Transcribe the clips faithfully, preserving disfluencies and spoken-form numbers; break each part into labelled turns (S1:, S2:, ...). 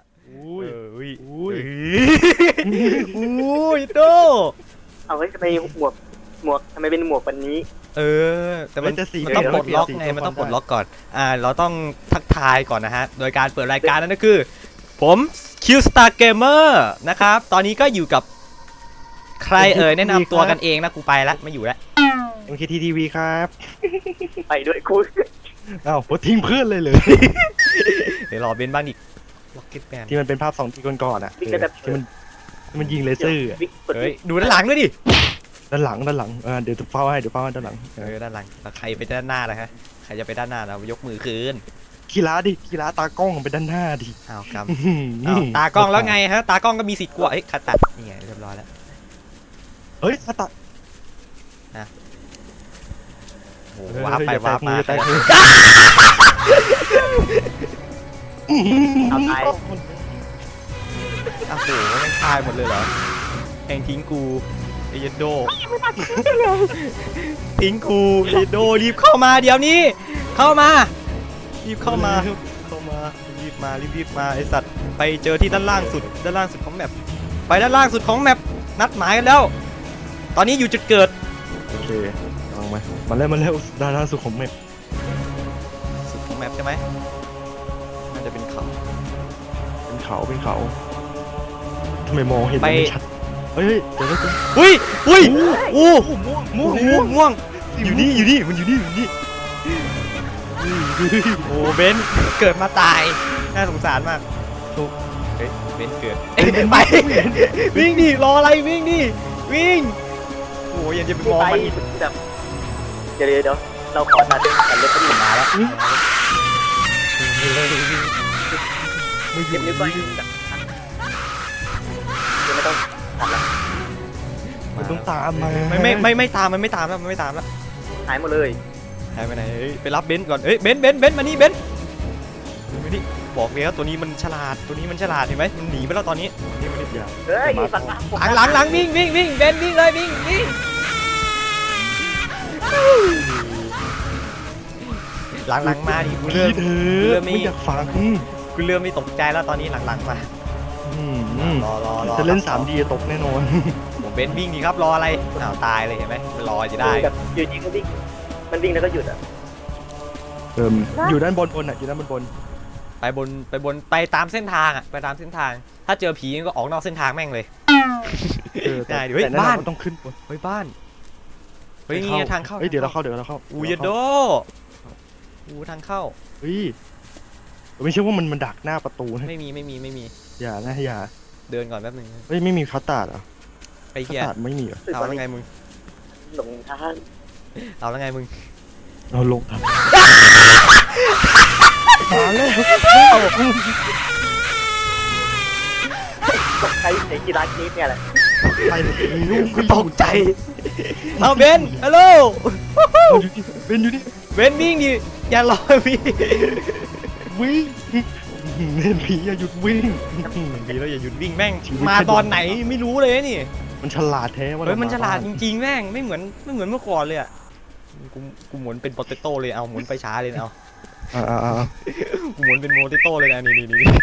S1: อุ้ยอุ้ย
S2: อุ้ย
S1: อุ้ยโต
S3: เอาไว้ทำไมหมวกหมวกทำไมเป็นหมวกวันนี้
S1: เออแต่มัน
S2: จะสี
S1: มันต้องปลดล็อกไงมันต้องปลดล็อกก่อนอ่าเราต้องทักทายก่อนนะฮะโดยการเปิดรายการนั่นก็คือผม Q Star Gamer นะครับตอนนี้ก็อยู่กับใครเอ่ยแนะนำตัวกันเองนะกูไปแล้วไม่อยู่แล้ว
S2: เอ็ม เค ที ที วี ครับ
S3: ไปด้วยคุณ
S2: อ้าวโหทิ้งเพื่อนเลยเลย
S1: เดี๋ยวรอเบนบ้างดิล็อกเก็ตแมน
S2: ที่มันเป็นภาพสองทีก่อนๆอ่ะเออที่มันที่มันยิงเลเซอร์อะ
S3: วิกกด
S1: เฮ้ยดูด้านหลังด้วยดิ
S2: ด้านหลังด้านหลังเออเดี๋ยวเฝ้าให้เดี๋ยวเฝ้าให้ด้านหลัง
S1: เออด้านหลังแล้วใครไปด้านหน้าล่ะฮะใครจะไปด้านหน้าเรายกมือคืน
S2: กีฬาดิกีฬาตากล้องไปด้านหน้าดิ
S1: อ้าวครับ
S2: อื้อหือ
S1: อ้าวตากล้องแล้วไงฮะตากล้องก็มีสิทธิ์กลัวเอ้ยขัดตัดนี่ไงเรียบร้อยแล้ว
S2: เฮ้ยตา
S1: โอ้โหว้าร์ปไปว้าร์ปมา
S2: แตกมือ
S3: เอาตาย
S1: โอ้โหแม่งตายหมดเลยเหรอแห่งทิ้งกูเอเยนโดทิ้งกูเอเยนโดรีบเข้ามาเดี๋ยวนี้ เข้ามารีบเข้ามาเข้ามารีบมารีบรีบมาไอสัตว์ไปเจอที่ด้านล่างสุดด้านล่างสุดของแมปไปด้านล่างสุดของแมปนัดหมายกันแล้ว ตอนนี้อยู่จุดเกิด
S2: โอเคลองมามาเร็วมาเร็วด้านล่างสุดของเมฆ
S1: สุดของแมปใช่ไหมน่าจะเป็นเขา
S2: เป็นเขาเป็นเขาทำไมมองเห็นไม่ชัดเฮ้ยเดี๋ยวเดี๋ยว
S1: อุ้ยอุ้ยอู้
S2: ม่วง
S1: ม่
S2: ม่
S1: ว
S2: ว
S1: ง
S2: ง
S1: ม่วงม่วงอยู่นี่อยู่นี่มันอยู่นี่อยู่นี่โอ้เบนเกิดมาตายน่าสงสารมากทุกเฮ้ยเบนเกิดไปวิ่งดิรออะไรวิ่งดิวิ่งโอ้ยยังจะไปมอง
S3: ไป
S1: มัน
S3: แบบเดี๋ยวเดี๋ยวเราขอตัดตัดเล็บกันหนึ่งมาแล้ว
S2: ไม่หยุ
S3: เก็
S2: ด
S3: บนิ้วก้อยแบบเดี๋ยวไม่ต้องตัดละ
S2: มันต้องตามมา
S1: ไม่ไม่ไม่ไม่ตามมันไม่ตามแล้วมันไม่ตามแล้ว
S3: หายหมดเลย
S1: หายไปไหนเฮ้ยไปรับเบนก่อนเฮ้ยเบนเบนเบนมานี่เบนมานี่บอกเลยว่าตัวนี้มันฉลาดตัวนี้มันฉลาดเห็นไหมมันหนีไปแล้วตอนนี้นี่มัน
S2: อย่า
S3: เฮ้ยฝั่งหลัง
S1: หลังหลังหลังวิ่งวิ่งวิ่งเบนวิ่งเลยวิ่งวิ่งหลังหลังมาดิกู
S2: พี่
S1: เริ่ม
S2: เธ
S1: เริ่
S2: อ
S1: มไม่
S2: ไม่อยากฟัง
S1: กูเริ่มไม่ตกใจแล้วตอนนี้หลังหลังมา
S2: อืม
S1: รอรอรอ
S2: จะเล่น สามดี ตกแน่นอน
S1: ผมเบนวิ่งดีครับรออะไรอ้าวตายเลยเห็นไหมมันรอจะได้
S3: แบบอยู่จริงก็วิ่งมันวิ่งแล้วก็หยุดอ่ะ
S2: เอิมอยู่ด้านบนบนอ่ะอยู่ด้านบนบน
S1: ไปบนไปบนไปตามเส้นทางอ่ะไปตามเส้นทาง ถ้าเจอผีก็ออกนอกเส้นทางแม่งเลย
S2: เออแต่
S1: ได้ดิเฮ้ย
S2: แต่แน่นอน
S1: บ้าน
S2: มันต้องขึ้นบน
S1: เฮ้ยบ้านเฮ้ยนี่ไงทางเข้า
S2: เฮ้ยเดี๋ยวเราเข้าเดี๋ยวเราเข้า
S1: อูยโดอูทางเข้า
S2: เฮ้ยไม่ใช่ว่ามันมันดักหน้าประตูนะ
S1: ไม่มีไม่มีไม่มี
S2: อย่านะอย่า
S1: เดินก่อนแป๊บนึง
S2: เฮ้ยไม่มีคัสตาร์ดเหรอ
S1: ไป
S2: คัส
S1: เฮีย
S2: ตาร์ดไม่มีเหรอ
S1: เอาแล้วไงมึง
S3: หลงทาง
S1: เอาแล้วไงมึง
S2: เราลงทางมาแล้ว
S3: ตกใจในกีฬานี้เนี่ยแหละ
S2: ไปเลยลูก
S1: กูตกใจเอาเบนฮัลโหล
S2: เป็นอยู่นี่
S1: เบนวิ่งดิอย่ารอพี่
S2: วิ่งเล่นผีอย่าหยุดวิ่ง
S1: ดีแล้วอย่าหยุดวิ่งแม่ง
S2: ชีวิต
S1: มาตอนไหนไม่รู้เลยนี่
S2: มันฉลาดแท้ว่า
S1: เฮ้ยมันฉลาดจ
S2: จริง
S1: ริงๆแม่งไม่เหมือนไม่เหมือนเมื่อก่อนเลยอ่ะกูกูหมุนเป็นโปเตโต้เลยเอาหมุนไปช้าเลยนะเอา
S2: อ่าอ่าอ่า
S1: กูหมุนเป็นโมเตโต้เลยนะนี่นี่นี่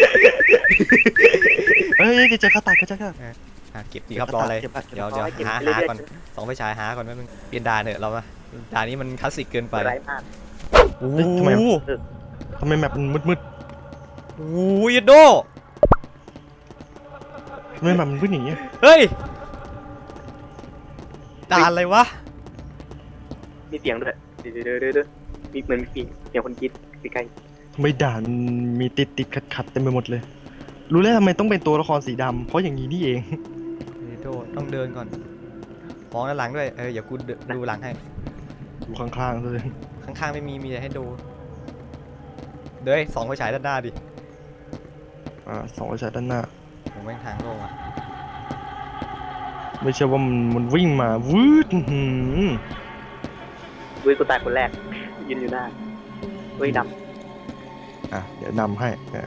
S2: เฮ้ยจะเจอคัสตาร์ดก็เจอคัสตาร์ด
S1: อ่ะเก็บดีครับรออะไร
S2: เก็บละเก็บละ
S1: เดี๋ยวเดี๋ยวหาหาก่อนสองไปฉายหาก่อนแป๊บนึงเปลี่ยนด่านเถอะเรามาด่านนี้มันคลาสสิกเกินไป
S3: ไร้มาก
S1: โอ้
S2: เฮ้ยทำไม
S1: โห
S2: ทำไมแมปมันมืด
S1: โอ้ยโด
S2: ๆทำไมแมปมันมืดอย่างเงี้ย
S1: เฮ้ยด่านอะไรวะ
S3: มีเสียงด้วยเดี๋ยวเดี๋ยวเดี๋ยวเดี๋ยวมีเหมือนมีเสียงคนกรีดใกล้
S2: ทำไมด่านมีติดติดขัดขัดๆเต็มไปหมดเลย รู้แล้วทำไมต้องเป็นตัวละครสีดำเพราะอย่างนี้นี่เอง
S1: โดต้องเดินก่อนมองด้านหลังด้วยเอออย่ากูดูหลังให้
S2: อยู่ข้างๆเลย
S1: ข้างๆไม่มีมีแต่ให้ดูเด้ยสองไฟฉายด้านหน้าดิ
S2: อ่าสองกระจายด้านหน้า
S1: ผมแม่งทางโล่งอ่ะ
S2: ไม่ใช่ว่ามันมันวิ่งมาวืดอื้อหือ
S3: ๆด้วยกูตายคนแรกยืนอยู่หน้าด้วยด
S2: อ่ะเดี๋ยวนำให้อ่ะ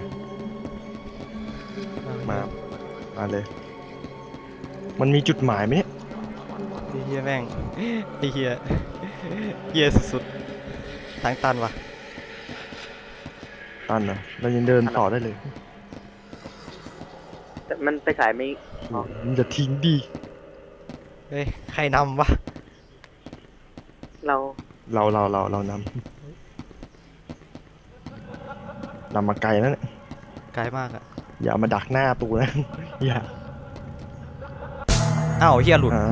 S2: มามาเลย มันมีจุดหมายไหมเนี่ย
S1: ไอ้เฮียแม่งไอ้เฮียเฮียสุดๆทางตันวะ
S2: ตันเหรอเรายังเดินต่อได้เลย
S3: แต่มันไปฉายไม่ อ๋อ
S2: มึงจะทิ้งดิ
S1: เฮ้ยใครนำวะ
S3: เรา
S2: เราเราเราเรานำนำมาไกลแล้วเนี่ย
S1: ไกลมากอะ
S2: อย่ามาดักหน้าตูนะ อย่า
S1: อ้าวเฮียหลุด
S2: อ่า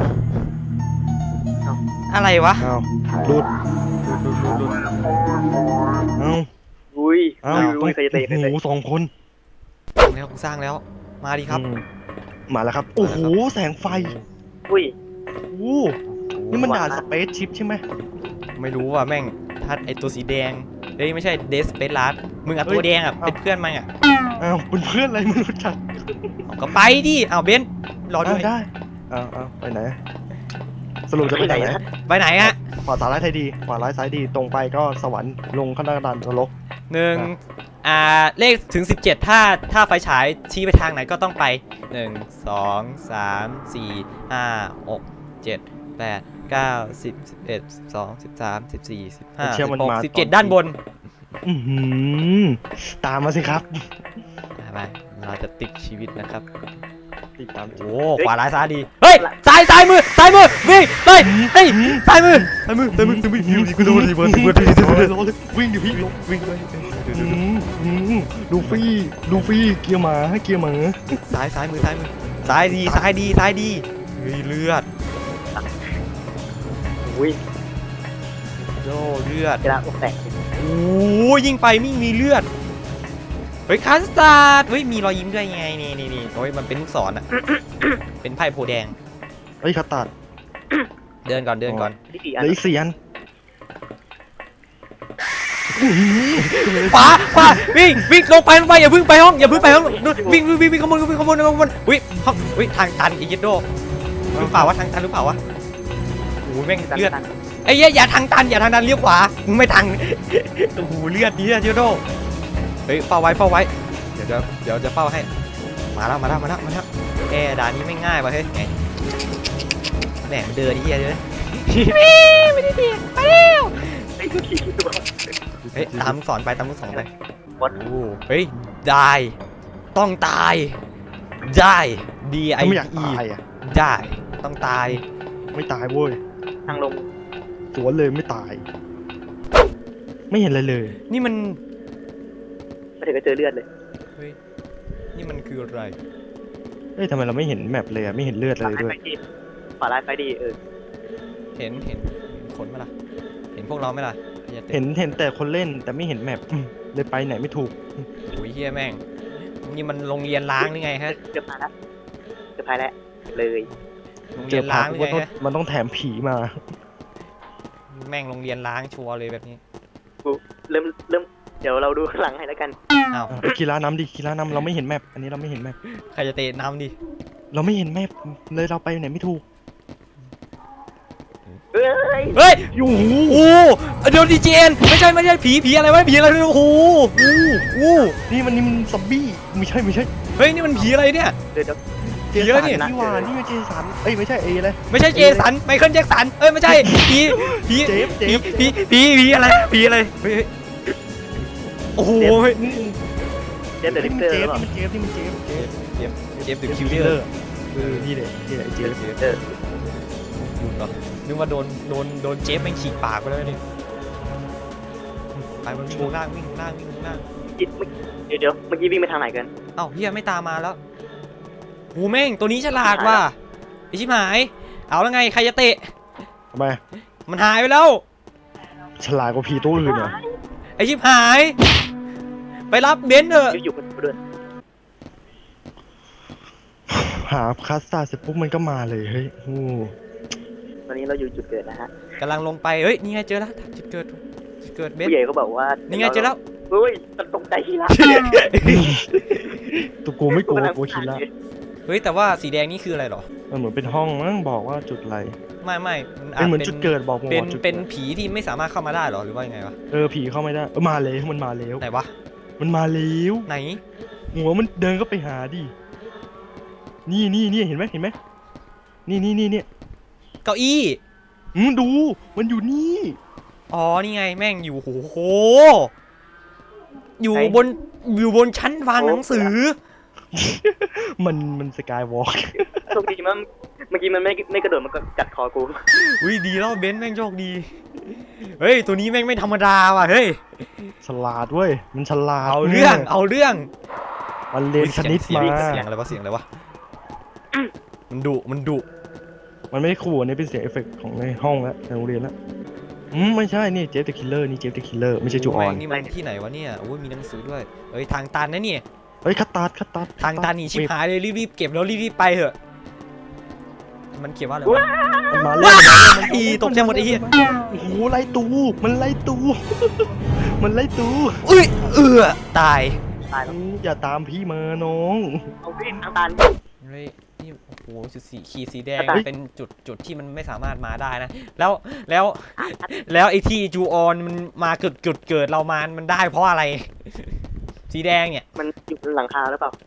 S1: อะไรวะ
S2: อ้าวหลุด
S1: หลุดหลุดหลุด
S2: อ้าว
S3: อุ้ย
S2: อ้าว
S3: อุ้ย
S2: ต้อ
S3: อุ้
S2: ง
S3: ยใครจะเตะใครจะ
S2: โอ้
S3: เตะ
S2: โหสองคน
S1: สร้างแล้วสร้างแล้ว มาดิครับ
S2: อืมมาแล้วครับ โอ้โห แสงไฟ
S3: อุ้ย
S2: โอ้โหนี่มันด่านสเปซชิปใช่ไหม
S1: ไม่รู้ว่ะแม่งถ้าไอตัวสีแดงเฮ้ยไม่ใช่เดสเปซลาร์มึงอะ
S2: เฮ้ย
S1: ตัวแดงอะ
S2: เอ้า
S1: เป็นเพื่อนมันอะ
S2: อ้าวเป็นเพื่อนอะไรไม่รู้จัก
S1: เอาก็ไปดิเอาเบนซ์รอด้วย
S2: อ้าวได้อ้าวอ้าวไปไหน สรุปจะไปไหน
S3: ไปไหนนะ
S1: ไปไหนอะ
S2: ขวาซ้ายซ้ายดี ขวาร้ายซ้ายดี ตรงไปก็สวรรค์ ลงข้างหน้าดันนรก
S1: หนึ่งอ่าเลขถึงสิบเจ็ดถ้าถ้าไฟฉายชี้ไปทางไหนก็ต้องไปหนึ่งสองสามสี่ห้าหกเจ็ดแปดเก้าสิบสิบเอ็ดสิบสองสิบสามสิบสี่สิบห้า
S2: เชื่
S1: สิ
S2: อบ มัน
S1: หก
S2: มา
S1: สิบเจ็ด
S2: ตอน
S1: ด้านบน
S2: อือหือตามมาสิครับ
S1: ไปเราจะติดชีวิตนะครับ
S2: ติดตาม
S1: โอ้ขวาร้ายซ้ายดีเฮ้ยซ้ายซ้ายมือซ้ายมือวิ่งเฮ้ยเฮ้ยซ้ายมือซ้ายมือซ้ายมือซ้ายมืออยู่ดีกูโดนดีเบิร์ดดีเบิร์ดดีเบิร์ด
S2: วิ่งดิพี่วิ่งเลยดูฟี่ดูฟี่เกียร์หมาให้เกียร์หมา
S1: ซ้ายซ้ายมือซ้ายมือซ้ายดีซ้ายดีซ้ายดีเฮ้ยเลือด
S3: อุ้ย
S1: โอ้เลือด
S3: กระดาษอกแตก
S1: โอ้ยิงไปมิ่งมีเลือดเฮ้ยคัสตาร์ดเฮ้ยมีรอยยิ้มด้วยไงนี่นี่นี่โอ้ยมันเป็นลูกศรอ่ะ เป็นไพ่โพแดง
S2: เฮ้ยคาตัด
S1: เดินก่อนเดินก่อน
S3: ที่สี่อั
S2: เห
S3: น
S2: ลืออีกสี่อัน
S1: ขวาขวาวิ่งวิ่งลงไปลงไปอย่าเพึ่งไปห้องอย่าเพึ่งไปห้องนู่นวิ่งวิ่งวิ่งวิ่งขโมยวิ่งขโมยขโมยวิ่งห้องวิ่งทางตันอีกยิดโดหรือเปล่าวะทางตันหรือเปล่าวะโอ้ยแม่งเลือดไอ้เหี้ยอย่าทางตันอย่าทางตันเลี้ยวขวามึงไม่ทางโอ้โหเลือดดีอะยิดโดเฮ้ยเฝ้าไว้เฝ้าไว้เดี๋ยวเดี๋ยวเดี๋ยวจะเฝ้าให้มาแล้วมาแล้วมาแล้วมาแล้วแอร์ด่านนี้ไม่ง่ายว่ะเฮ้ยไงแหมมันเดินไอ้เหี้ยเลยไม่ได้เดียไปแล้ว
S3: ไอ้กูขี่ตัว
S1: เฮ้ยตามลูกศรไปตามลูกศรไป
S3: วัด
S1: โอ้เฮ้ยได้ต้องตายได้ D I
S2: ถ้าไม่อยาก
S1: E
S2: ตายอ่ะ
S1: ได้ต้องตาย
S2: ไม่ตายเว้ย
S3: ทางลง
S2: สวนเลยไม่ตาย ไม่เห็นอะไรเลย
S1: นี่มัน
S3: ไปถึงก็เจอเลือดเลย
S1: เฮ้ยนี่มันคืออะไร
S2: เอ้ยทำไมเราไม่เห็นแมปเลยอ่ะไม่เห็นเลือด
S3: ข
S2: เล
S3: วาย
S2: ด้ว
S3: ไฟ
S2: ย
S3: ดีขวาลายไฟดีเออ
S1: เห็นเห็นเห็นคนไหมล่ะเห็นพวกเราไหมล่ะอย่าเตะ
S2: เห็นเห็นแต่คนเล่นแต่ไม่เห็นแมปอืมเลยไปไหนไม่ถูก
S1: โอ้ยเฮียแม่งนี่มันโรงเรียนล้างหรือไงฮะ
S3: เกือบพายแล้วเกือบพายแล้วเลย
S1: โรง
S2: เจ
S1: เรีย
S2: อน ผ่า
S1: ล้าน งหรือ
S2: ว่า
S1: ไง
S2: ต้อง
S1: ฮะ
S2: มันต้องแถมผีมา
S1: แม่งโรงเรียนล้างชัวร์เลยแบบนี้
S3: กูเริ่มเริ่มเดี๋ยวเราดูข้างหลังให้แล้วกัน
S1: อ้าว
S2: อ่ะกีฬานำดิกีฬานำเราไม่เห็นแมปอันนี้เราไม่เห็นแมป
S1: ใครจะเตะน้ำดิ
S2: เราไม่เห็นแมปเลยเราไปไหนไม่ถูก
S3: เอ้ย
S1: เฮ้ย
S2: โอ้โห
S1: โอ้โดนดีเจนไม่ใช่ไม่ใช่ผีผีอะไรวะผีอะไรโอ้โหโอ้โห
S2: นี่มันนี่มันซอมบี้ไม่ใช่ไม่ใช่
S1: เฮ้ยนี่มันผีอะไรเนี่ย
S3: เดี๋ยวเดี๋ยว
S2: เจ
S1: ผีแล้ว
S2: สัน
S1: นี่
S2: นี่หว่านี่มันเจสันเอ้ยไม่ใช่เอเลย
S1: ไม่ใช่เจสันไมเคิลแจ็คสันเอ้ยไม่ใช่ผีผี
S2: เจฟเจ
S1: ผี
S2: ฟ
S1: ผีผีผีอะไรผีอะไรเฮ้ยเฮ้ยโอ้โหเฮ้ย
S3: เดี๋ยวเดี๋ยวลิฟเตอร์
S2: เจ
S3: หรื
S2: ฟ
S3: อเปล่า
S2: นี่มันเจฟนี่มันเจฟเจฟ
S1: เจมเจมส์เดอะคิ
S2: คิ
S1: ว
S2: ว
S1: เด
S2: เล
S1: อ
S2: อ
S1: ร์
S2: ร์เออนี่เลยนี่แหละเจฟ
S3: เออ
S1: นึกว่าโดนโดนโดนเจฟแม่งฉีกปากไปแล้วนี่ไปมันวิ่งลงล่างวิ่งลงล่างวิ่งลงล่าง
S3: เดี๋ยวเดี๋ยวเมื่อกี้วิ่งไปทางไหนกัน
S1: เอ้าเฮียไม่ตามมาแล้วโหแม่งตัวนี้ฉลาดว่ะไอชิบหายเอาแล้วไงใครจะเตะ
S2: ทำไม
S1: มันหายไปแล้ว
S2: ฉลาดกว่าผีตัวอื่นเหรอ
S1: ไอชิบหาย ไปรับเบนซ์เถอะ
S3: อยู่อยู่คนเดียว
S2: หาคัสตาร์เสร็จปุ๊บมันก็มาเลยเฮ้ยโอ้
S3: ตอนนี้เราอยู่จุดเกิดนะฮะ
S1: กำลังลงไปเฮ้ยนี่ไงเจอแล้วจุดเกิดจุดเกิดเบน
S3: ผู้
S1: ซ์
S3: ใหญ่เขาบอกว่า
S1: นี่
S3: นี่
S1: ไงเจอแล้ว
S3: เฮ้ยตกใจที่ละ
S2: ตัวกูไม่กลัวกลัวคิดละ
S1: เฮ้ยแต่ว่าสีแดงนี่คืออะไรหรอ
S2: มันเหมือนเป็นห้องมั้งบอกว่าจุดอะไร
S1: ไม่ไม่มันอา
S2: เป็น
S1: จ
S2: เหมือน
S1: เป็น
S2: จุดเกิดบอกมึง
S1: เป็น
S2: ว่าจุด
S1: เป็น
S2: กิด
S1: ผีที่ไม่สามารถเข้ามาได้หรอหรือว่ายังไงวะ
S2: เออผีเข้าไม่ได้เออมาเลยมันมาแล้ว
S1: ไหนวะ
S2: มันมาแล้ว
S1: ไหน
S2: หัวมันเดินก็ไปหาดินี่นี่นี่เห็นไหมเห็นไหมนี่นี่นี่เนี่ย
S1: เก้าอี้
S2: อืมดูมันอยู่นี่
S1: อ๋อนี่ไงแม่งอยู่โหอยู่บนอยู่บนชั้นวางหนังสือ
S2: มันมันสกายวอล์ก
S3: โชคดีมันเมื่อกี้มันไม่ไม่กระโดดมันก็กัดคอกู
S1: อุ้ยดีแล้วเบนซ์แม่งโชคดีเฮ้ยตัวนี้แม่งไม่ธรรมดาว่ะเฮ้ย
S2: ฉลาดเว้ยมันฉลาด
S1: เอาเรื่องเอาเรื่อง
S2: มันเรียนคณิต
S1: เสียง
S2: มา
S1: เสียงอะไรวะเสียงอะไรวะมันดุมันดุ
S2: มันไม่ได้ขู่อันนี้เป็นเสียงเอฟเฟกต์ของในห้องแล้วในโรงเรียนแล้วอืมไม่ใช่นี่เจฟเดอะคิลเลอร์นี่เจฟเดอะคิลเลอร์ไม่ใช่จูออน
S1: แม่งนี่มันที่ไหนวะเนี่ยโอ้ยมีหนังสือด้วยเฮ้ยทางตันนะเนี่ย
S2: เฮ้ยคัตตาร์ดคัตตาร์ด
S1: ทางตันนี่ชิบหายเลยรีบๆเก็บแล้วรีบๆไปเถอะมันเขียนว่าอะไรวะ
S2: มันมาเล่น
S1: อีตกใจหมดไอ้เหี้ย
S2: โอ้โหไล่ตูมันไล่ตู มันไล่ตู
S1: อุ้ยเอือตาย
S3: ตายแล้ว
S2: อืมอย่าตามพี่มาน้อง
S3: เอาวิ่งทางตัน
S1: เฮ้ยนี่โอ้โหจุดสีขีดสีแดง
S3: เฮ้ย
S1: เป็นจุดจุดที่มันไม่สามารถมาได้นะแล้วแล้วแล้วไอ้ที่จูออนมันมาเกิดจุดเกิดเรามามันได้เพราะอะไร สีแดงเนี่ย
S3: มันอยู่บนหลังคาหรือเปล่า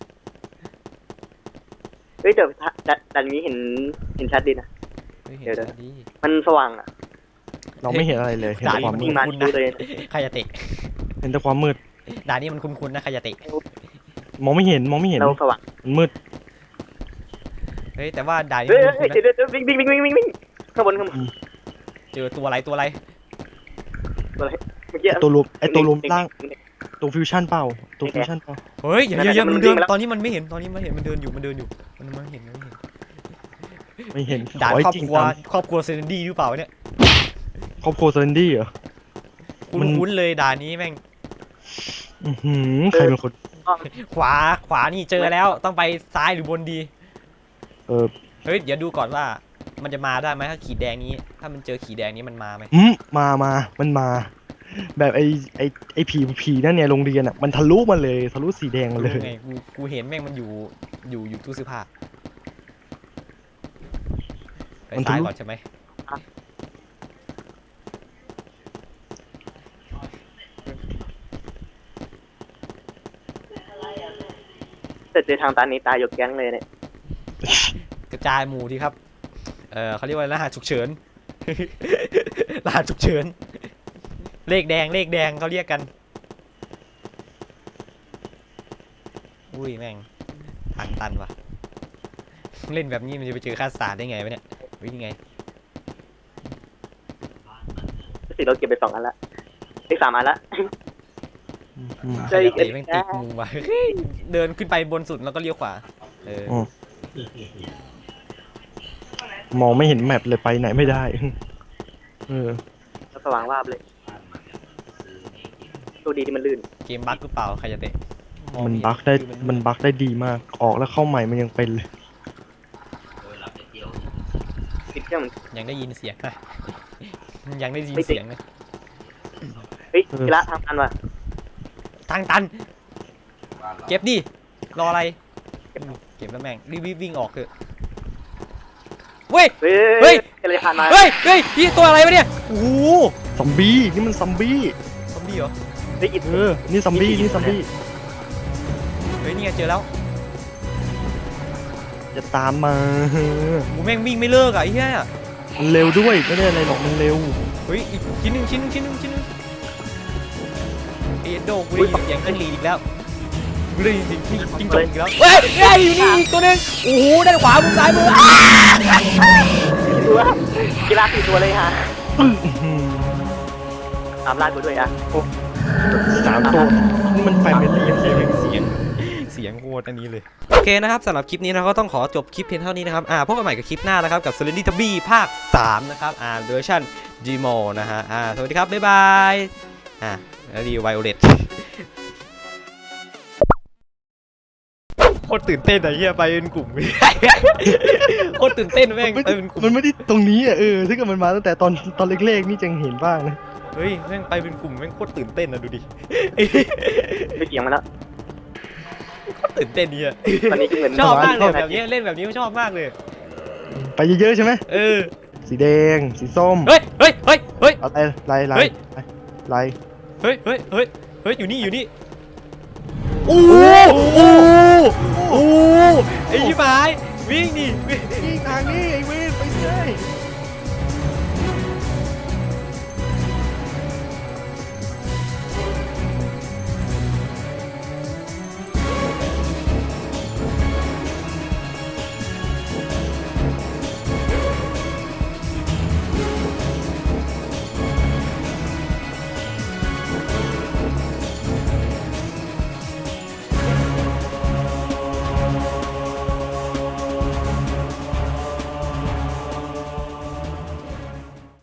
S3: เฮ้ยแต่ดันดันนี้เห็นเห็นชัดดีนะ
S1: เฮ้ยเห็น
S3: เดี๋ยว
S1: ชัดดี
S3: มันสว่างอ่ะ
S2: เราไม่เห็นอะไรเลยเห็น
S1: ด่า
S2: แต่
S1: น
S2: ความ
S1: นี้
S2: มื
S1: มั
S2: ด
S1: น
S3: ยิงมาดูเลย
S1: ใครจะเตะ
S2: เห็นแต่ความมืด
S1: ด่านนี้มันคุ้นๆนะใครจะเตะ
S2: มองไม่เห็นมองไม่เห็น
S3: เราสว่าง
S2: มันมืด
S1: เฮ้ยแต่ว่าด่านนี้
S3: เฮ้ย
S1: มัน
S3: เฮ้
S1: คุ้
S3: ย
S1: นๆ
S3: เดี๋ยว
S1: นะ
S3: เดี๋ยววิ่งวิ่งวิ่งวิ่งวิ่งวิ่งข้างบนข้างบน
S1: เจอตัวอะไรตัวอะไร
S3: ตัวอะไรเมื่อกี้
S2: ไอ้ตัวรวมไอตัวรวมล่างตัวฟิวชั่นเปล่าตัวฟิวชั่นเปล่า
S1: เฮ้ยอย่าอย่าอย่ามันเดินตอนนี้มันไม่เห็นตอนนี้มันเห็นมันเดินอยู่มันเดินอยู่มันมันเห็นมันเห็น
S2: ไม่เห็น
S1: ด่าน
S2: ขอให้
S1: ครอบ
S2: จริง
S1: ครัว
S2: ตาม
S1: ครอบครัวเซนดี้หรือเปล่าเนี่ย
S2: ครอบครัวเซนดี้เหรอ
S1: คุ้
S2: มัน
S1: นๆเลยด่านนี้แม่ง
S2: อื้อหือใครเป็นคน
S1: ขวาขวานี่เจอแล้วต้องไปซ้ายหรือบนดี
S2: เออ
S1: เฮ้ยเดี๋ยวดูก่อนว่ามันจะมาได้ไหมถ้าขีดแดงนี้ ถ้ามันเจอขีดแดงนี้มันมาไหม
S2: อืมมามามันมา แบบไอไอไอผีผีนั่นเนี่ยโรงเรียนอ่ะมันทะลุมาเลยทะลุสีแดงมาเลย
S1: ไงกูกูเห็นแม่งมันอยู่อยู่อยู่ตู้เสื้อผ้าไปซ้ายก่อนใช่ไหม
S3: แต่เจอทางตันนี้ตายยกแก๊งเลยเนี่ย
S1: กระจายหมู่ดีครับเออเขาเรียกว่ารหัสฉุกเฉิน รหัสฉุกเฉินเลขแดงเลขแดงเขาเรียกกันอุ้ยแม่งทางตันว่ะเล่นแบบนี้มันจะไปเจอคาสตาร์ดได้ไงวะเนี่ยวิ่งไง
S3: สิเราเก็บไปสองอันละอีกสามอันละ
S2: อืม
S3: เจออีก
S1: เตะแม่งติดมุมว่ะ เดินขึ้นไปบนสุดแล้วก็เลี้ยวขวาเออ
S2: อ๋อ มองไม่เห็นแมปเลยไปไหนไม่ได้ เออ
S3: สว่างวาบเลยโชคดีที่มันลื่น
S1: เกมบั๊กหรือเปล่าใครจะเตะมอง
S2: มัน
S1: เห็
S2: บั๊กได้
S1: คือ
S2: มันบั๊กได้ดีมาก ออกแล้วเข้าใหม่มันยังเป็นเลย
S3: ติดเครื่องมัน
S1: ยังได้ยินเสียงนะ ยังได้ยิน
S3: ไม่ติด
S1: เสียงนะ
S3: เฮ้ย
S2: เออ
S3: กีฬาทางตันว่ะ
S1: ทางตัน เก็บดิ รออะไร เก็บแล้วแม่งรีบๆวิ่งออกเถอะเว้ย
S3: เฮ้
S1: เฮ้
S3: ย
S1: ย
S3: อะไรผ่านมา
S1: เฮ้ย เฮ้ยนี่ตัวอะไรวะเนี่ย โอ้โห
S2: ซอมบี้ นี่มันซอมบี้
S1: ซอมบี้เหรอ
S3: เฮ้ยอิด
S2: เออ นี่ซอมบี้ นี่ซอมบี้
S1: เฮ้ยนี่ไงเจอแล้ว
S2: จะตามมา
S1: หมูแม่งวิ่งไม่เลิกอ่ะไอ้เหี้ย
S2: มันเร็วด้วย ไม่ได้อะไรหรอก มันเร็ว
S1: เฮ้ยอีกชิ้นหนึ่งชิ้นหนึ่งชิ้นหนึ่งชิ้นหนึ่งเอ็ดโดกูได้ยินเสียงจิ้งหรีดอีกแล้วกูได้ยินเสียงจิ้งจิ้งจกอีกแล้วเฮ้ยเฮ้ยอยู่นี่อีกตัวหนึงโอ้โหด้านขวามุมซ้ายมืออ้า
S3: สี่ตัวกีฬาสี่ตัวเลยฮะ
S2: อื้อหือ
S3: ตามล่ากูด้วยอ่ะโอ้
S2: สามตัว นี่มันแฟมิลี่
S1: เสียงเสียงเสียงโคตรอันนี้เลยโอเคนะครับสำหรับคลิปนี้เราก็ต้องขอจบคลิปเพียงเท่านี้นะครับอ่าพบกันใหม่กับคลิปหน้านะครับกับ Serenity Tabby ภาคสามนะครับอ่าเวอร์ชัน Gmo นะฮะอ่าสวัสดีครับบ๊ายบายอ่าแล้วดีไวโอเลตโคตรตื่นเต้นอะเฮียไปเป็นกลุ่ม โคตรตื่นเต้นแม่ง
S2: มัน
S1: ไป
S2: ไม่
S1: เป็นกลุ่ม
S2: มันไม่ได้ตรงนี้อ่ะ เออ ถ้าเกิดมันมาตั้งแต่ตอนตอนเล็กๆ นี่จังเห็นบ้างนะ
S1: เฮ้ยแม่งไปเป็นกลุ่มแม่งโคตรตื่นเต้นนะดูดิ
S3: ไปเกี่ยงมาแล้ว
S1: โคตรตื่นเต้นเนี่ย
S3: ตอนนี้ก็เหมือน
S1: ชอบมากเลย
S3: ประ
S1: แบบนี้เล่นแบบนี้ชอบมากเลย
S2: ไปเยอะๆใช่ไหม
S1: เออ
S2: สีแดง สีส้ม
S1: เฮ้ยเฮ้ยเฮ้ยเฮ้ย
S2: อะไรลายลา
S1: เฮ้
S2: ย
S1: ย
S2: ลาย
S1: เฮ้ยเฮ้ยเฮ้ยเฮ้ยอยู่นี่อยู่นี่โอ้โหโอ้โหไอ้ยี่หมายวิ่งดิวิ่ง
S2: นี่ทางนี้ไอ้เวนไปเลย